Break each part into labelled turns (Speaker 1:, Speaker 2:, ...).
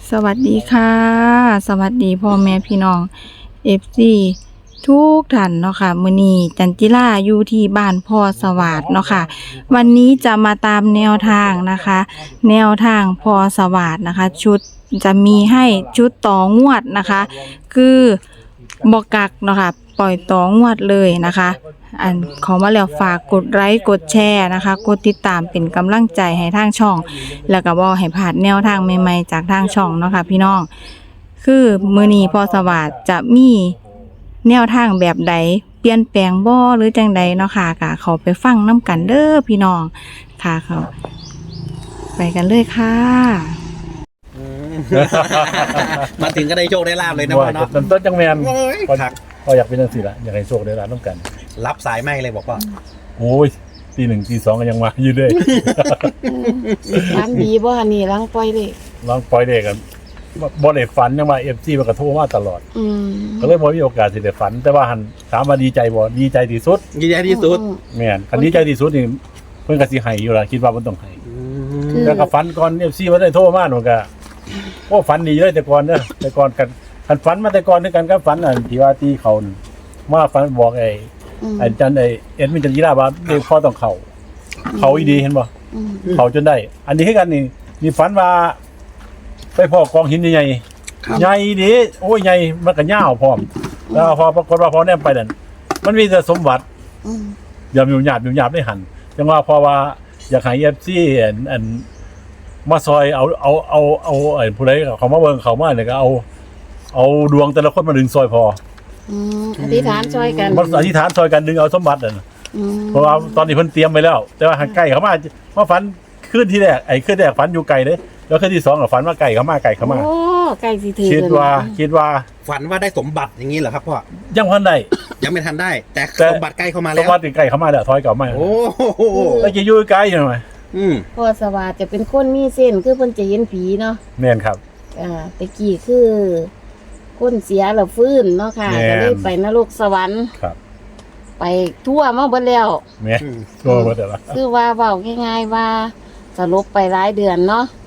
Speaker 1: สวัสดีค่ะสวัสดีพ่อแม่พี่น้องFCทุกท่านเนาะค่ะมื้อนี้จันจิราอยู่ที่บ้านพ่อสวัสดิ์เนาะค่ะวันนี้จะมาตามแนวทางนะคะ แนวทางพ่อสวัสดิ์นะคะ ชุดจะมีให้ชุดต่องวดนะคะ คือบ่กักเนาะค่ะปล่อยต่องวดเลยนะคะอันขอมาแล้วฝากกดไลค์กดแชร์นะคะกดติดตามเป็นกำลังใจให้ทางช่อง แล้วก็บ่ให้พลาดแนวทางใหม่ๆจากทางช่องเนาะค่ะพี่น้องคือมื้อนี้พ่อสวัสดิ์จะมีแนวทางแบบใดเปลี่ยนแปลงบ่หรือจังใดเนาะค่ะก็เข้าไปฟังนํกันเด้อพี่น้องค่ะเขาไปกันเลยค่ะ
Speaker 2: มาถึงก็ได้โชคได้ลาบเลยนะพ่อเนาะ
Speaker 3: ต้นจังแมน
Speaker 2: โอ้ย
Speaker 3: พออยากเป็นจังซี่ละอยากให้โชคได้ร้านต้องกัน
Speaker 2: รับสายไม่เลยบอกว่า
Speaker 3: โอ้ยตี 1 ตี 2ก็ยังมาอยู่เลย
Speaker 4: ฝันดีบ่อันนี้ลังปล่อยเลย
Speaker 3: ลองปล่อยเด็กกันบ่ได้ฝันยังมาFCมันก็โทรมาตลอด ก็เลยบ่มีโอกาสสิได้ฝัน แต่ว่าหันถามว่าดีใจบ่ดีใจที่สุด
Speaker 2: ยินดีที่สุด
Speaker 3: แม่นคันดีใจที่สุดนี่เพิ่นก็สิให้อยู่ล่ะคิดว่าเพิ่นต้องให้
Speaker 4: คือ
Speaker 3: แล้วก็ฝันก่อน FC บ่ได้โทรมาหนูก็โอ้ฝันดีเลยแต่ก่อนเด้อแต่ก่อนกันคันฝันมาแต่ก่อนคือกันกับฝันอันที่ว่าตีเขานั่นมาฝันบอกไอ้จันเอ็ดมินจันยีราว่าเด็กพ่อต้องเขาอีดีเห็นบ่เขาจนได้ อันนี้คือกันนี่มีฝันว่าไปพ่อกองหินใหญ่
Speaker 2: ครับ
Speaker 3: ๆใหญ่ดีโอ้ยใหญ่มันก็ยาวพร้อมแล้วพอปรากฏว่าพอแนมไปนั่นมันมีแต่สมบัติอย่าอยู่หยาบได้หันจังว่าพอว่าอยากให้ FC อันมาซอยเอาไอ้ผู้ใดเขามาเบิ่งเขามาเนี่ยก็เอาดวงแต่ละคนมาดึงซอยพอ
Speaker 4: อธิษฐานช่วยกัน
Speaker 3: มันอธิษฐานซอยกันดึงเอาสมบัตินั่น เพราะว่าตอนนี้เพิ่นเตรียมไปแล้ว แต่ว่าใกล้เขามาฝันขึ้นที่แรกขึ้นแรกฝันอยู่ไกลเด้แล้วขึ้นที่2ก็ฝันว่าไก่เขามา
Speaker 4: โอ้ใกล้สิถึง
Speaker 3: คิดว่า
Speaker 2: ฝันว่าได้สมบัติอย่างนี้เหรอครับพ่อ
Speaker 3: ยังพันได้
Speaker 2: ยังไม่ทันได้ แต่
Speaker 3: แต่
Speaker 2: สมบัติใกล้เข้ามา
Speaker 3: ส
Speaker 2: แล้
Speaker 3: ม
Speaker 2: ว
Speaker 3: บัติไก่เขามาแล้วถอยกลับมา
Speaker 2: โอ้โห
Speaker 3: แล้วจะอยู่ไกลอยู่หน่อย
Speaker 4: พ่อสวัสดิ์จะเป็นคนมีเส้นคือเพิ่นจะเห็นผีเนาะ
Speaker 3: แม่นครับ
Speaker 4: ตะกี้คือคนเสียแล้วฟื้นเนาะค่ะ
Speaker 3: แม่น
Speaker 4: ก็เลยไปนรกสวรรค์
Speaker 3: ครับ
Speaker 4: ไปทั่วมาเบิดแล้ว
Speaker 3: แม่นตัวบ่ได้ละ
Speaker 4: คือว่าเว้าง่ายๆว่าสลบไปหลายเดือนเนาะ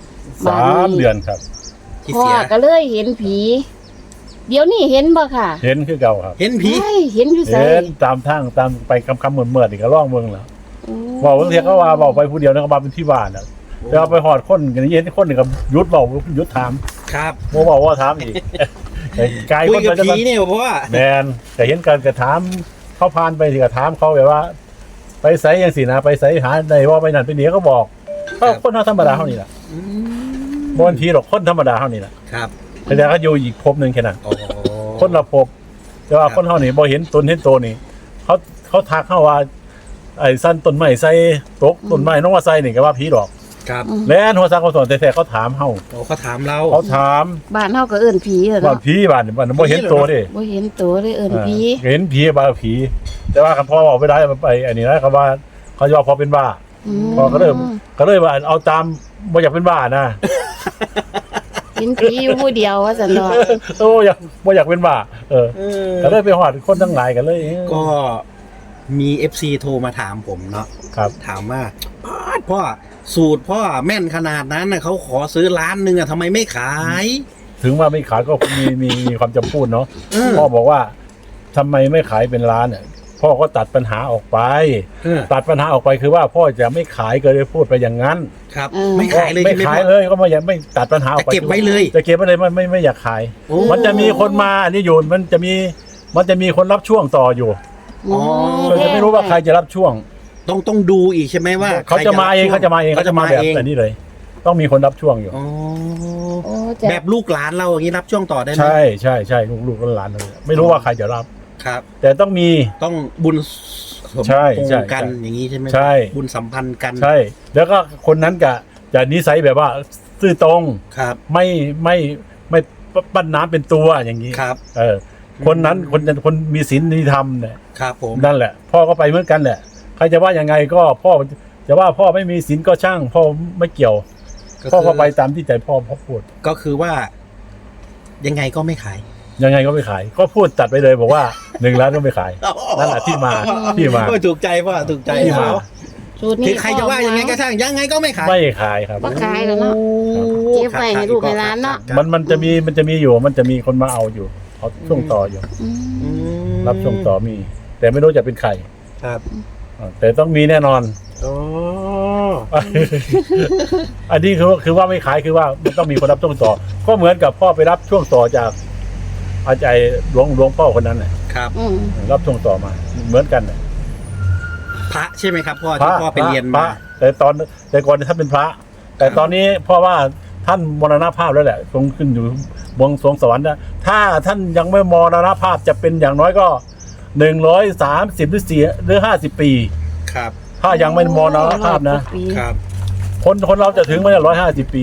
Speaker 3: 3 เดือนครับ
Speaker 2: ที่
Speaker 4: พ่อ
Speaker 2: เสีย
Speaker 4: ก็เลยเห็นผี เดี๋ยวนี้เห็นบ่ค่ะ
Speaker 3: เห็นคือเก่าครับ
Speaker 2: เห็นผี
Speaker 4: เฮ้ยเห็นอยู่ไส
Speaker 3: เห็นตามทางตามไปคำเมื่อนี่ก็ร้องเบิ่งแล้ว
Speaker 4: โอ้
Speaker 3: บอกบางทีก็ว่าบอกไปผู้เดียวนะก็มาเป็นที่บ้านน่ะแต่ว่าไปหอดคนกันเย็นคนนึงก็หยุดเว้าหยุดถาม
Speaker 2: ครับ
Speaker 3: บ่บอกว่าถามอีกไกล
Speaker 2: คุ
Speaker 3: ค
Speaker 2: ย
Speaker 3: น
Speaker 2: กับ
Speaker 3: ไปจะ
Speaker 2: ผีเนี่ยพ่อ
Speaker 3: แมนแต่เห็นกันกระถามเขาพานไปสิกระถามเขาแบบว่า ไปไสยังสินะไปไสหาในว่าไปนั่นไปนี่ก็บอกเขาคนธรรมดาเท่านี้แหละบนทีหรอกคนธรรมดาเท่านี้แหละ
Speaker 2: ครับ
Speaker 3: แต่เดี๋ยวเขาอยู่อีกภพหนึ่งแค่นั้น
Speaker 2: โอ้
Speaker 3: คนละภพแต่ว่าคนเท่านี้บ่เห็นตนเห็นโตนี่เขาทักเข้าว่า ไอ้สั้นต้นไม้ใส่ตกต้นไม้น้องว่าใส่นี่ก็ว่าผีดอก
Speaker 2: ครับ
Speaker 3: แล้วหัวซักเขาสอนแต่เขาถามเฮา
Speaker 2: โอ้เขาถามเรา
Speaker 3: เขาถาม
Speaker 4: บ้านเฮาก็เอิ้นผีเหรอ
Speaker 3: ว่า
Speaker 4: เนาะ
Speaker 3: ผีบ้านนี่มันบ่เห็นโตดิ
Speaker 4: บ่เห็นตัวเลยเอิ้นผี
Speaker 3: เห็นผีบ้าผี แต่ว่าคันพ่อบอกไม่ได้ไปอันนี้นะเขาว่าเขาจะว่าพอเป็นบ้า พอก็เลยว่าเอาตามบ่อยากเป็นบ้านะ
Speaker 4: เห็นผีอยู่ผู้เดียวว่าซั่นเนาะ
Speaker 3: โอ้อยากบ่อยากเป็นบ้าก็เลยไปหอดคนทั้งหลายกันเลย
Speaker 2: ก็มี FC โทรมาถามผมเนาะ
Speaker 3: ครับ
Speaker 2: ถามว่าพ่อสูตรพ่อแม่นขนาดนั้นนะเขาขอซื้อล้านหนึ่งอะทำไมไม่ขาย
Speaker 3: ถึงว่าไม่ขายก็มีความจำพูดเนาะ
Speaker 2: เออ
Speaker 3: พ่อบอกว่าทำไมไม่ขายเป็นล้านเนี่ยพ่อก็ตัดปัญหาออกไป
Speaker 2: เออ
Speaker 3: ตัดปัญหาออกไปคือว่าพ่อจะไม่ขายก็เลยพูดไปอย่างนั้น
Speaker 2: ครับ ไม่ขายเลย
Speaker 3: ไม่
Speaker 2: ใช่ไหม
Speaker 3: ขาย
Speaker 2: พ่อ
Speaker 3: เลยก็ไม่ตัดปัญหาออกไป
Speaker 2: จะเก็บไว้เลย
Speaker 3: จะเก็บไว้เลยไม่อยากขาย
Speaker 2: โอ้
Speaker 3: มันจะมีคนมาอันนี้อยู่มันจะมีคนรับช่วงต่ออยู่
Speaker 2: อ๋อ
Speaker 3: เราจะไม่รู้ว่าใครจะรับช่วง
Speaker 2: ต้องดูอีกใช่ไหมว่า
Speaker 3: เขาจะมาเอง
Speaker 2: ใคร
Speaker 3: เขาจะมาเอง
Speaker 2: เขาจะมา
Speaker 3: แบบ
Speaker 2: เอง
Speaker 3: นี้เลย ต้องมีคนรับช่วงอยู่
Speaker 2: อ๋อ
Speaker 4: โอ้จะ
Speaker 2: แบบลูกหลานเราอย่างนี้รับช่วงต่อได้ไหม
Speaker 3: ใช่ลูกหลานเลยไม่รู้ว่าใครจะรับ
Speaker 2: ครับ
Speaker 3: แต่ต้องมี
Speaker 2: ต้องบุญสม
Speaker 3: ใช่
Speaker 2: พง
Speaker 3: ใช่
Speaker 2: ษ์กันอย่างนี้ใช่ไหม
Speaker 3: ใช่
Speaker 2: บุญสัมพันธ์กัน
Speaker 3: ใช่ แล้วก็คนนั้นจะนิสัยแบบว่าซื่อตรง
Speaker 2: ครับ
Speaker 3: ไม่ปั้นน้ำเป็นตัวอย่างนี้
Speaker 2: ครับ
Speaker 3: คนนั้นคนมีศีลมีธรรมเนี่ย
Speaker 2: ครับผม
Speaker 3: นั่นแหละ พ่อก็ไปเหมือนกันแหละใครจะว่ายังไงก็พ่อจะว่าพ่อไม่มีศีลก็ช่าง พ่อไม่เกี่ยว พ่อก็ไปตามที่ใจพ่อพูด
Speaker 2: ก็คือว่า ยังไงก็ไม่ขาย
Speaker 3: ยังไงก็ไม่ขาย ก็พูดจัดไปเลยบอกว่า1 ล้านก็ไม่ขาย นั่นแหละที่มา
Speaker 2: โอ้ยถูกใจพ่อถูกใจ
Speaker 3: ที่มา
Speaker 2: เขา
Speaker 4: สูตรนี้
Speaker 2: คือใครจะว่ายังไงก็ช่างยังไงก็ไม่ขาย
Speaker 3: ไม่ขายครับ
Speaker 4: บ่ขายแล้วเนาะ เก็บไว้ให้ลูกให้หลานเนาะ
Speaker 3: มันจะมีอยู่มันจะมีคนมาเอาอยู่เขาช่วงต่ออยู่
Speaker 4: อืม
Speaker 2: อืม
Speaker 3: รับช่วงต่อมี แต่ไม่รู้จะเป็นใคร
Speaker 2: ครับ
Speaker 3: แต่ต้องมีแน่นอน
Speaker 2: อ๋อ
Speaker 3: อันนี้คือว่าไม่ขายคือว่ามันต้องมีคนรับช่วงต่อ ก็เหมือนกับพ่อไปรับช่วงต่อจากอาจารย์หลวงพ่อคนนั้นน่ะ
Speaker 2: ครับ
Speaker 4: อืม
Speaker 3: รับช่วงต่อมา เหมือนกันน่ะ
Speaker 2: พระใช่ไหมครับพ่อที่พ่อไปเรียน
Speaker 3: พ
Speaker 2: มา
Speaker 3: ระแต่ก่อนท่านเป็นพระ แต่ตอนนี้พ่อว่าท่านมรณภาพแล้วแหละทรงขึ้นอยู่บนสวงสวรรค์นะถ้าท่านยังไม่มรณภาพจะเป็นอย่างน้อยก็130หรือ50 ปี
Speaker 2: ครับ
Speaker 3: ถ้ายังไม่มรณภาพนะครับ คนเราจะถึงไหม150 ปี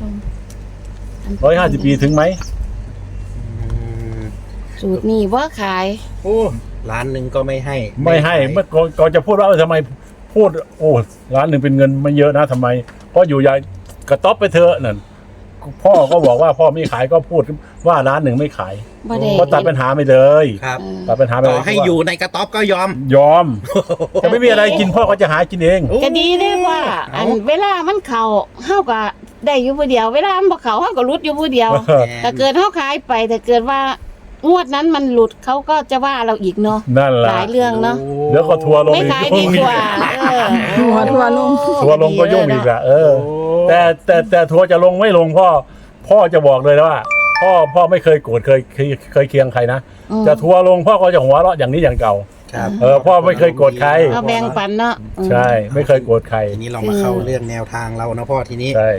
Speaker 3: 150 ปีถึงไหม
Speaker 2: อืม
Speaker 4: สูตรนี้บ่ขาย
Speaker 2: โอ้ล้านหนึ่งก็ไม่ให้
Speaker 3: ไม่ให้เมื่อก่อนจะพูดว่าทำไมพูดโอ้ล้านหนึ่งเป็นเงินไม่เยอะนะทำไมเพราะอยู่ยายกระต๊อบไปเถอะนั่นพ่อก็บอกว่าพ่อไม่ขายก็พูดว่าล้านหนึ่งไม่ขาย
Speaker 4: บ่ได้
Speaker 3: ก็ตัดปัญหาไปเลย
Speaker 2: ครับ
Speaker 3: ตัดปัญหาไป
Speaker 2: ต่
Speaker 3: เล
Speaker 2: อย ให้อยู่ในกระต๊อบก็ยอม
Speaker 3: ยอมจะไม่มีอะไรกินพ่อก็จะหากินเอง
Speaker 4: ก็ดีเด้ว่า อันเวลามันเข้าเฮาก็ได้อยู่ผู้เดียว เวลามันบ่เข้าเฮาก็หลุดอยู่ผู้เดียว ถ้าเกิดเฮาขายไปถ้าเกิดว่างวดนั้นมันหลุดเขาก็จะว่าเราอีกเนาะ
Speaker 3: นั่นแห
Speaker 4: ห
Speaker 3: ละ
Speaker 4: ลายเรื่องเนาะ
Speaker 3: เดี๋ยวก็ทัวร์ลง
Speaker 4: ไม่
Speaker 3: อีก
Speaker 4: ขายดีกว่า
Speaker 1: ทัวร์ลง
Speaker 3: ทัวร์ลงก็ยุ่งอีกอะแต่ทัวร์จะลงไม่ลงพ่อจะบอกเลยนะว่าพ่อไม่เคยโกรธเคยเคียงใครนะจะทัวร์ลงพ่อก็จะหัวเราะอย่างนี้อย่างเก่า
Speaker 2: ครับ
Speaker 3: พ่อไม่เคยโกรธใคร
Speaker 4: เอาแบ่งปันเนาะ
Speaker 3: ใช่ไม่เคยโกรธใคร
Speaker 2: ทีนี้เรามาเข้าเรื่องแนวทางเรานะพ่อทีนี้
Speaker 3: ใช่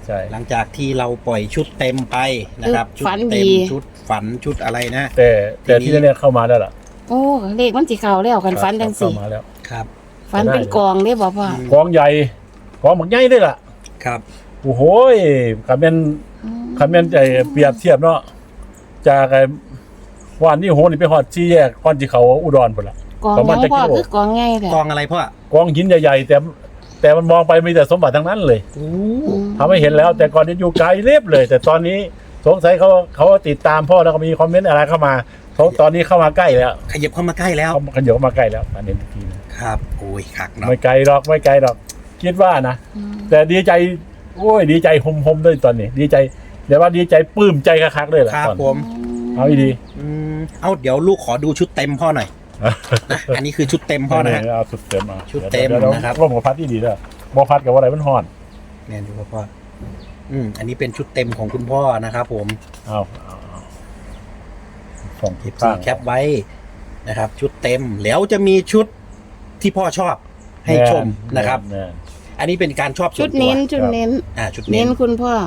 Speaker 2: หลังจากที่เราปล่อยชุดเต็มไปนะครับชุดเต็มชุดฝันชุดอะไรนะ
Speaker 3: แต่ที่เนี่ยเข้ามาแล้วล่ะ
Speaker 4: โอ้เลขมันสิเข้าแล้วกันฟันจัง
Speaker 3: เข้า
Speaker 4: สิ
Speaker 3: มาแล้ว
Speaker 2: ครับ
Speaker 4: ฟันเป็นกองเด้บ่พ่อก
Speaker 3: องใหญ่กองหมักใหญ่ด้วยล่ะ
Speaker 2: ครับ
Speaker 3: โอ้โหคำเป็นใจเปรียบเทียบเนาะจากไอ้วันนี้โหนี่ไปหอดชี้แยกก่อนที่เขาอุดรพุ่นล่ะ
Speaker 4: กอง
Speaker 3: ประมาณ
Speaker 4: ยังพ่อ
Speaker 3: จะกิโล
Speaker 4: คือกองไงแหละ
Speaker 2: กองอะไรพ่อก
Speaker 3: องหินใหญ่ๆแต่มันมองไปมีแต่สมบัติทั้งนั้นเลย
Speaker 2: โอ้
Speaker 3: ทำให้เห็นแล้ว แต่ก่อนนี้อยู่ไกลเรียบเลย แต่ตอนนี้สงสัยเขาติดตามพ่อแล้วก็มีคอมเมนต์อะไรเข้ามาตอนนี้เข้ามาใกล้แล้ว
Speaker 2: ขยับเข้ามาใกล้แล้ว
Speaker 3: เขาขยับมาใกล้แล้วอันนี้ทีนะครับ
Speaker 2: โอ้ยคักเนาะ
Speaker 3: ไม่ไกลหรอกคิดว่านะ แต่ดีใจโอ้ยดีใจหมด้วยตอนนี้ดีใจเดี๋ยวว่าดีใจปลื้มใจคักๆเลยแหละ
Speaker 2: ครับ
Speaker 3: ตอน
Speaker 2: ผม
Speaker 3: เอาดี
Speaker 2: เอาเดี๋ยวลูกขอดูชุดเต็มพ่อหน่อยนะอันนี้คือชุดเต็มพ่อนะฮะ
Speaker 3: เอาสุดเต็มมา
Speaker 2: ชุดเต็ม
Speaker 3: ดี๋ยว
Speaker 2: นะครับ
Speaker 3: ร่มกับพัดที่ดีด้วยบ่พัดกับว่าอะไรมันห่อน
Speaker 2: เนี่ยดูครับพ่ออันนี้เป็นชุดเต็มของคุณพ่อนะครับผม
Speaker 3: เอาส่ง
Speaker 2: เก็บซีแคปไว้นะครับ ชุดเต็มแล้วจะมีชุดที่พ่อชอบให้ชมนะครับ
Speaker 3: แน่
Speaker 2: อันนี้เป็นการชอบส่
Speaker 4: ชุ
Speaker 2: ว
Speaker 4: ด
Speaker 2: นตัว
Speaker 4: เน้นชุดเน้น
Speaker 2: ชุด
Speaker 4: เน้
Speaker 2: เน้
Speaker 4: น
Speaker 2: น
Speaker 4: คุณพ่อ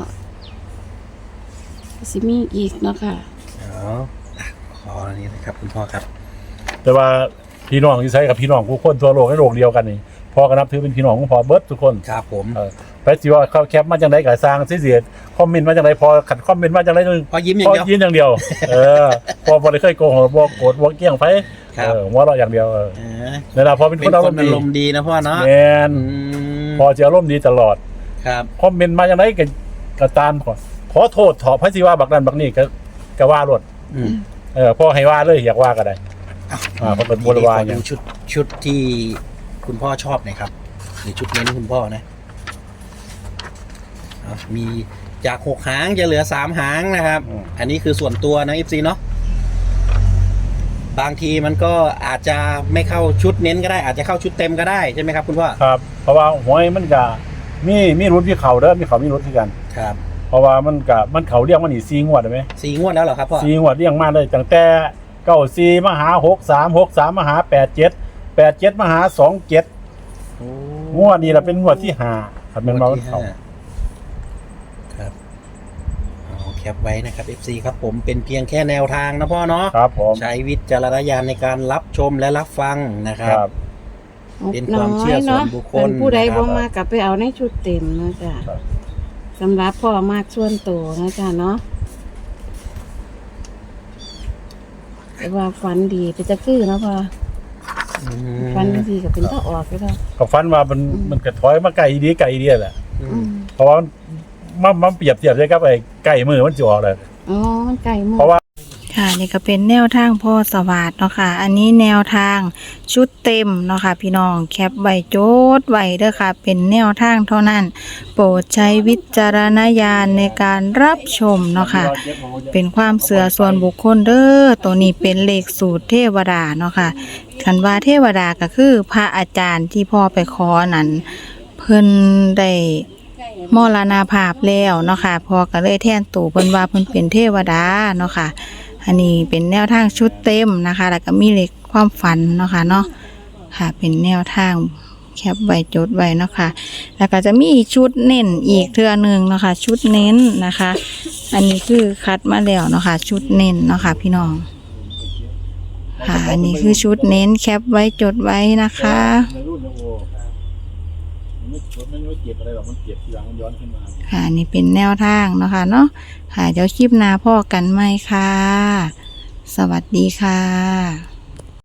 Speaker 4: สิมีอีกเนาะค่ะ
Speaker 2: ขออันนี้นะครับคุณพ่อครับ
Speaker 3: แต่ว่าพี่น้องที่ใช้กับพี่น้องผู้คนทั่วโลกในโลกเดียวกันนี่พ่อก็นับถือเป็นพี่น้องของพ่อเบิร์ดทุกคน
Speaker 2: ครับผม
Speaker 3: ไปสิว่าเขาแคปมาจังไดก็สร้างเสียดคอมเมนต์มาจังไดพอขัดคอมเมนต์มาจังไดนึง
Speaker 2: พอยิ้มอย่าง
Speaker 3: พอ
Speaker 2: เดียว
Speaker 3: ยิ้มอย่างเดียวพอบ่ได้เคยโกหกบ่โกรธบ่เกี้ยงไผหัวเราะอย่างเดียวนั่นล่ะพอเป็น
Speaker 2: เป็
Speaker 3: คน
Speaker 2: น
Speaker 3: อาร
Speaker 2: ค
Speaker 3: ม
Speaker 2: น
Speaker 3: ณ์
Speaker 2: อา
Speaker 3: ดี
Speaker 2: รมณ์ดีนะพ่อเนาะ
Speaker 3: แม่น
Speaker 2: อืม
Speaker 3: พอจะอารมณ์ดีตลอด
Speaker 2: ครับ
Speaker 3: คอมเมนต์มาจังไดก็ตามขอโทษถอพระสิว่าบักนั้นบักนี้ก็ว่ารถ
Speaker 2: อืม
Speaker 3: พ่อให้ว่าเลยอยากว่าก็ได้เพราะเป็นบริวาร
Speaker 2: ขอ
Speaker 3: อย่าง
Speaker 2: ดูชุดที่คุณพ่อชอบหน่อยครับหรือชุดเน้นคุณพ่อนะมีจาก6 หางจะเหลือ3 หางนะครับ อันนี้คือส่วนตัวนะ FC เนาะบางทีมันก็อาจจะไม่เข้าชุดเน้นก็ได้ อาจจะเข้าชุดเต็มก็ได้ใช่ไหมครับคุณพ่อ
Speaker 3: ครับ เพราะว่าหวยมันก็มีรุ่นที่เขาเด้อมีเขามีรุ่นที่กัน
Speaker 2: ครับ
Speaker 3: เพราะว่ามันเขาเรียกว่านี่4งวดได้ไหม
Speaker 2: 4 งวดแล้วเหรอครับพ่อ
Speaker 3: 4งวดเรียงมาเลยตั้งแต่94มาหา63มาหา87มาหา27งวดนี้ล่ะเป็นงวดที่5ครับแม่นบ่มันเขา
Speaker 2: ครับเอาแคปไว้นะครับ FC ครับผมเป็นเพียงแค่แนวทางนะพ่อเนาะ
Speaker 3: ครับผม
Speaker 2: ใช้วิจารณญาณในการรับชมและรับฟังนะค
Speaker 3: ค
Speaker 2: รั
Speaker 3: รับ บ
Speaker 2: เป็นความเชื่อส่วนบุคคล
Speaker 4: เป็นผู้ใด
Speaker 2: นะครับ
Speaker 4: บ่มากกับไปเอาในชุดเต็มนะจ๊ะ
Speaker 3: ครับ
Speaker 4: สำหรับพ่อมากส่วนตัวนะจ๊ะเนาะแต่ว่าฟันดีไปจะคือเนาะพ่อ
Speaker 2: อืม
Speaker 4: ฟันดีกับเป็นถ้าออกก็ได้
Speaker 3: ก็ฝันว่ามันกระถอยมาไกลดีแหละ
Speaker 2: อื
Speaker 4: อื
Speaker 2: ม
Speaker 4: ม
Speaker 3: เพราะว่ามันเปรียบเทียบได้กับไอ้ไก่มือมันจะออกเลย
Speaker 4: อ๋อมันไก่หมด
Speaker 3: เพราะว่า
Speaker 1: ค่ะนี่ก็เป็นแนวทางพ่อสวัสดิ์เนาะค่ะอันนี้แนวทางชุดเต็มเนาะค่ะพี่น้องแคปไว้โจทย์ไว้เด้อค่ะเป็นแนวทางเท่านั้นโปรดใช้วิจารณญาณในการรับชมเนาะค่ะเป็นความเชื่อส่วนบุคคลเด้อตัวนี้เป็นเลขสูตรเทวดาเนาะค่ะคันว่าเทวดาก็คือพระอาจารย์ที่พ่อไปขอนั้นเพิ่นได้มรณภาพแล้วเนาะค่ะพ่อก็เลยแทนตู่เพิ่นว่าเพิ่นเป็นเทวดาเนาะค่ะอันนี้เป็นแนวทางชุดเต็มนะคะแล้วก็มีเลขความฝันเนาะค่ะเนาะค่ะเป็นแนวทางแคปไว้จดไว้เนาะค่ะแล้วก็จะมีชุดเน้นอีกเทื่อนึงเนาะค่ะชุดเน้นนะคะ อันนี้คือคัดมาแล้วเนาะค่ะชุดเน้นเนาะค่ะพี่น้องค่ะอันนี้คือชุดเน้นแคปไว้จดไว้นะคะ
Speaker 3: มันไม่เก็บอะไรหรอกมันเก็บทีหลังมันย้อนขึ้นมา
Speaker 1: ค่ะนี่เป็นแนวทางเนาะค่ะเนาะค่ะเดี๋ยวคลิปหน้าพ่อกันไหมค่ะ สวัสดีค่ะ